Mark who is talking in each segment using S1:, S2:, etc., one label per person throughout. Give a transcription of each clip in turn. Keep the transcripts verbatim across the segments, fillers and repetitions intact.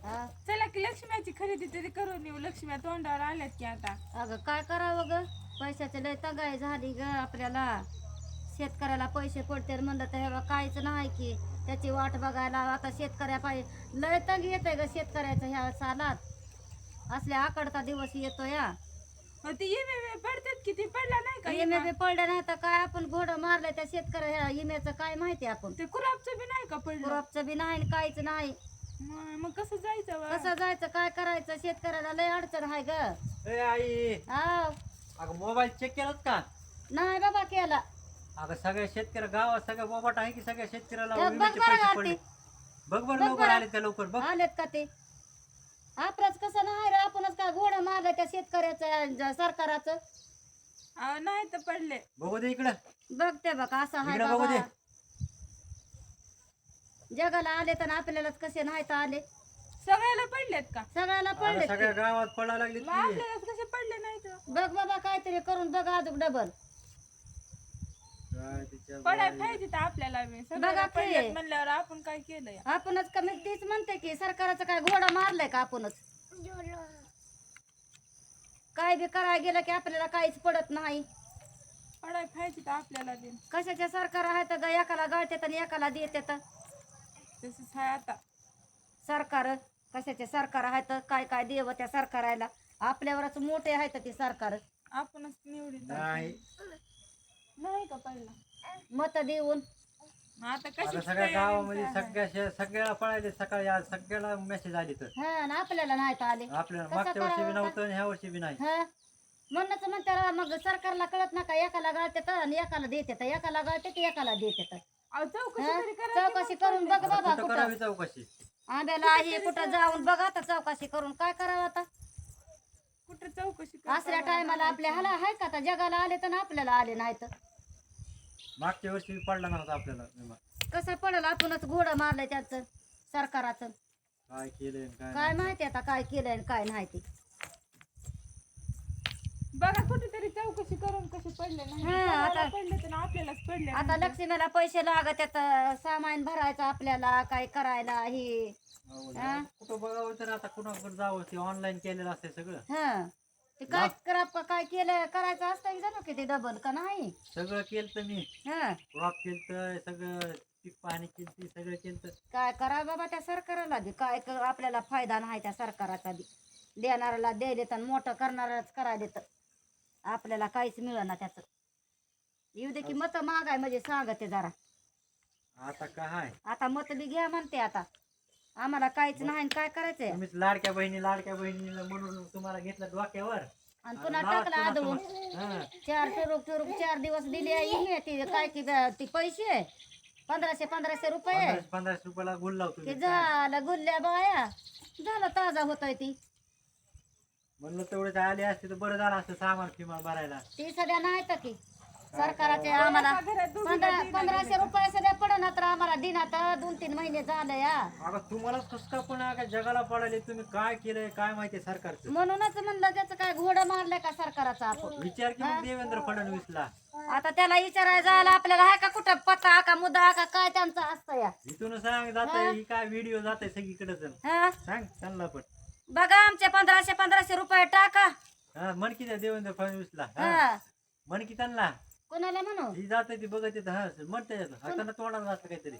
S1: हा
S2: चला की लक्ष्म्याची खरेदी तरी करून येऊ. लक्ष्म्या तोंडावर आल्यात की आता.
S1: अगं काय करावं ग, पैशाची लय तगाई झाली ग आपल्याला. शेतकऱ्याला पैसे पडते म्हणलं तर हे काहीच नाही की त्याची वाट बघायला. आता शेतकऱ्या पाहिजे लय तंग येते ग शेतकऱ्याचं ह्या सालात. असल्या आकडता दिवस येतो या.
S2: मग ती इमे पडतात की ती पडला नाही का
S1: इमे
S2: इमा?
S1: बी पडलं नाही तर काय आपण घोडं मारलं त्या शेतकऱ्या इम्याचं काय माहिती आपण.
S2: ते कुरापचं बी नाही का पडलं?
S1: क्रॉपचं बी नाही आणि काहीच नाही.
S2: मग मग कसं जायचं बा?
S1: कसं जायचं काय करायचं शेतकऱ्याला लय अडचण आहे ग.
S3: ए आई,
S1: हा
S3: अगं मोबाईल चेक केलात का?
S1: नाही बाबा केला.
S3: अगं सगळ्या शेतकऱ्या गावात सगळ्या बोबाट आहे की सगळ्या शेतकऱ्याला
S1: बघ
S3: विम्याचे
S1: बरं
S3: पैसे
S1: आरती.
S3: पडले. बघ बरं
S1: बघ
S3: लवकर
S1: बरं.
S3: आले त्या लवकर बघ.
S1: आलेत का ते आपलंच कसं नाही रे, आपणच काय घोडं मारलं त्या शेतकऱ्याचं ज- सरकाराचं.
S2: अहो, नाही तर पडले.
S3: बघू दे इकडं.
S1: बघते बघ असं हाय
S3: इकडं बघू
S1: बाबा.
S3: दे.
S1: जगाला आले तर आपल्यालाच कसे नाही तर आले.
S2: सगळ्याला पडलेत का?
S1: सगळ्याला
S3: अगं
S1: पडले
S3: सगळ्या गावात पडायला लागली
S2: मग आपल्यालाच कसे पडले नाही तर?
S1: बघ बाबा काहीतरी करून बघ अजून डबल.
S2: पडाय पाहिजे तर आपल्याला बी. सगळ्याला
S1: बघा की.
S2: पडलेत म्हणल्यावर आपण काय केलंय?
S1: आपणच कमी तीच म्हणते की सरकाराचं काय घोडा मारलाय का आपणच. काय बी करायला गेलं की आपल्याला काहीच पडत नाही.
S2: पडाय पाहिजे तर आपल्याला बी.
S1: कशाच्या सरकार आहे तर ग एकाला गळतात आणि एकाला देतात.
S2: तसंच आहे आता.
S1: सरकार कशाचे सरकार आहेत तर काय काय देव त्या सरकाराला. आपल्यावरच मोठे आहेत ते सरकार.
S2: आपणच निवडीत
S3: नाही.
S2: नाही का पडला?
S1: मत देऊन
S2: मग आता
S3: आता
S2: कशी
S3: सगळ्या गावामध्ये सगळ्या शे- सगळ्याला पळायले सकाळी आज सगळ्याला मेसेज आले तर
S1: हा आणि आपल्याला नाही तर आले.
S3: आपल्याला
S1: कसं
S3: मागच्या वर्षी बी
S1: करावं
S3: नव्हतं आणि ह्या वर्षी बी नाही.
S1: हा म्हणूनच म्हणते मग सरकारला कळत नका एकाला गाळतात आणि एकाला देतात, एकाला गाळतात एकाला देतात.
S2: अहो, चौकशी
S1: हा?
S2: तरी करा की
S1: चौकशी
S2: मग
S1: करून बघ
S3: आता
S1: बाबा
S3: कुठं
S1: कुठं
S3: करावी चौकशी?
S1: आंब्याला आहे कुठं जाऊन बघ आता चौकशी करून काय करावं आता.
S2: कुठं चौकशी करा.
S1: असल्या टायमाला आपल्या हाला आहे का आता जगाला आले तर आपल्याला आले नाही तर
S3: मागच्या वर्षी बी पडला नव्हता आपल्याला विमा.
S1: कसं पडेल. आपणच घोडं मारलंय त्याचं सरकाराचं.
S3: काय केलंय आणि काय
S1: काय
S3: नाही.
S1: माहिती आता काय केलंय आणि काय नाही ते.
S2: बघा कुठेतरी चौकशी करून कसे पडले नाही.
S1: हा,
S2: सगळ्याला
S1: आता-
S2: पडले तर आपल्यालाच पडले
S1: आता
S2: नाही.
S1: लक्ष्मीला पैसे लागत आता सामान भरायचं आपल्याला काय करायला हे.
S3: अहो,
S1: हा?
S3: कुठं बघावं तर आता कुणाकडे जावं ते ऑनलाईन केलेलं असते सगळं.
S1: हा ते काय कराप काय केलं करायचं असतं की जाणू किती डबल का नाही.
S3: सगळं केलं तर मी
S1: हा
S3: क्रॉप केलं सगळं पीक पाणी केलं सगळं केलं.
S1: काय करा बाबा त्या सरकाराला बी काय क- आपल्याला फायदा नाही त्या सरकाराचा बी. देणाऱ्याला द्यायले तर मोठं करणाराच करायला तर आपल्याला काहीच मिळेना त्याचं. येऊ दे की मत मागाय म्हणजे सांगते जरा.
S3: आता काय
S1: आता मत बी घ्या म्हणते आता. आम्हाला काहीच नाही आणि काय करायचंय.
S3: तुम्हीच लाडक्या बहिणी लाडक्या बहिणीला म्हणून तुम्हाला घेतलं डोक्यावर
S1: आणि पुन्हा
S3: नावात
S1: टाकला
S3: पुन्हा
S1: आदळून
S3: तुम्हा- हा.
S1: चार टुरुक टुरुक चार दिवस दिले येणे ती काय की ब- ती पैसे पंधराशे पंधराशे रुपये
S3: पंधराशे पंधराशे रुपयाला गुल लावतो
S1: ते
S3: मी.
S1: झालं गुल्ल्या बाया झालं ताजा होतोय ती.
S3: म्हणलं तेवढे आले असते तर बरं झालं असतं सामान फिमान भरायला.
S1: ती सध्या नाही तर की सरकाराचे आम्हाला पंधरा पंधराशे रुपये सध्या पडणार तर आम्हाला दिनात दोन तीन महिने झालं या.
S3: अगं तुम्हालाच कसं का पण अगं जगाला पडायले तुम्ही काय केलंय काय माहितीये सरकारचं.
S1: म्हणूनच म्हणलं त्याचं काय घोडं मारलंय का सरकाराचा आपण.
S3: विचार की मग देवेंद्र फडणवीसला.
S1: आता त्याला विचारायला जायला आपल्याला आहे का कुठं पत्ता का मुद्दा का काय त्यांचं असतं या.
S3: इथून सांग जात ही काय व्हिडिओ जात आहे सगळीकडे
S1: हा
S3: सांग त्यांना पण.
S1: बघा आमचे पंधराशे पंधराशे रुपये टाका.
S3: हा म्हण की त्या देवेंद्र फडणवीसला. हा
S1: हा
S3: म्हण की त्यांना
S1: कोणाला म्हणू
S3: ही जात ती बघत येत हा म्हणते हाताने तोंडाला असं काहीतरी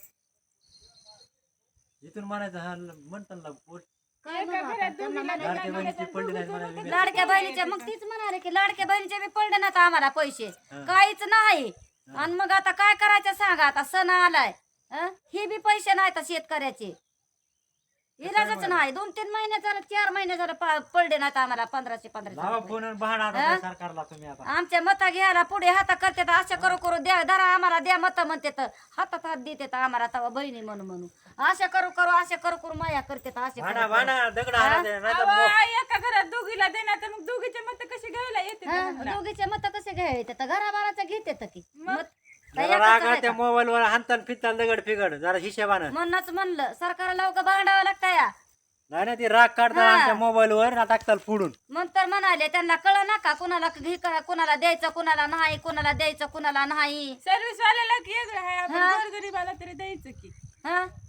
S3: इथून म्हणायचं हा म्हण त्यांना पोट.
S1: काय म्हणू आता? त्यांना म्हणा-
S3: लाडक्या बहिणीची पडली नाही म्हणायला.
S1: लाडक्या बहिणीचे मग तीच म्हणाले की लाडक्या बहिणीचे बी पडले ना आम्हाला पैसे
S3: हा.
S1: काहीच नाही. आणि मग आता काय करायचं सांगा. आता सण आलाय हं? हे बी पैसे नाहीत शेतकऱ्याचे. इलाजच नाही. दोन तीन महिने झालं चार महिने झालं प- पडले नाहीत आम्हाला पंधराशे पंधराशे
S3: लावा
S1: रुपये.
S3: फोन बहाणा आता सरकारला तुम्ही आता.
S1: आमच्या मता घ्यायला पुढे हाता करते अशा करू करू द्या धरा आम्हाला द्या मत म्हणते तर हातात हात देते आम्हाला तवा बहिणी म्हणून म्हणून अशा करू करू अशा करू करू माया करते असे
S3: भांडा भांडा दगड हाणा दे, नाहीतर मो-
S2: अहो, एका घरात दोघीला देणार तर मग दोघीचे मत कसे घ्यायला येते?
S1: दोघीचे मत कसे घ्यायचे तर घराबाराचं घेते तर की मत तर
S3: जरा
S1: एकाचं
S3: राग
S1: आहे
S3: त्या
S1: का?
S3: मोबाईल वर हाणतान फिरतान दगड फिगड जरा हिशेबानं.
S1: म्हणूनच म्हणलं सरकारला उगा भांडावं लागतं या.
S3: नाही ना ती राग काढतात
S1: हा.
S3: आमच्या मोबाईल वर ना टाकताल फोडून.
S1: मग तर म्हणाले त्यांना कळ नका कुणाला घे कुणाला द्यायचं कुणाला नाही कुणाला द्यायचं कुणाला नाही.
S2: सर्व्हिस वाल्याला की वेगळं आहे, आपण
S1: हा.
S2: गोरगरिबाला तरी द्यायचं की.
S1: हा